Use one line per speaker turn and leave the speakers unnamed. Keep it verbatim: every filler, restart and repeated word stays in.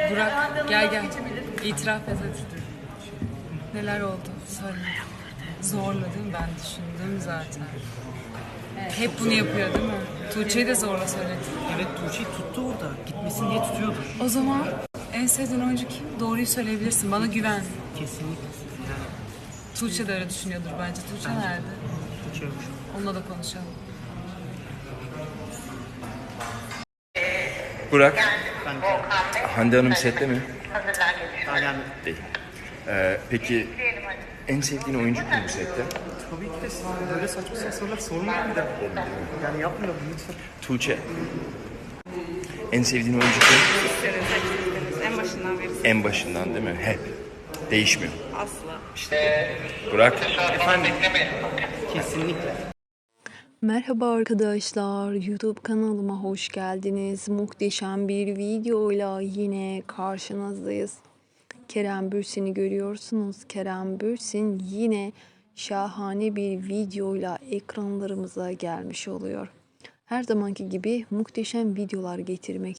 Burak gel gel. İtiraf et hadi. Neler oldu? Söyle. Zorladım ben düşündüm zaten. Hep bunu yapıyor değil mi? Tuğçe'yi de zorla söyledi.
Evet, Tuğçe'yi tuttu orada. Gitmesin diye tutuyordu.
O zaman en sevdiğin oyuncu kim? Doğruyu söyleyebilirsin. Bana güven.
Kesinlikle. Yani
Tuğçe de öyle düşünüyordur bence. Tuğçe nerede?
Tuğçe yok şu an.
Onunla da konuşalım.
Burak,
Ben
Hande Hanım sette mi?
daha gelmedim.
Değil. Ee, peki en sevdiğin oyuncu kim bu sette?
Tabii ki de sana böyle saçma sapan sorular sormayın bir de. Yani yapmayalım lütfen.
Tuğçe. En sevdiğin oyuncu kim?
En başından beri
En başından değil mi? Hep. Değişmiyor.
asla.
Burak.
Efendim? Kesinlikle.
Merhaba arkadaşlar, YouTube kanalıma hoş geldiniz. Muhteşem bir videoyla yine karşınızdayız. Kerem Bürsin'i görüyorsunuz. Kerem Bürsin yine şahane bir videoyla ekranlarımıza gelmiş oluyor. Her zamanki gibi muhteşem videolar getirmek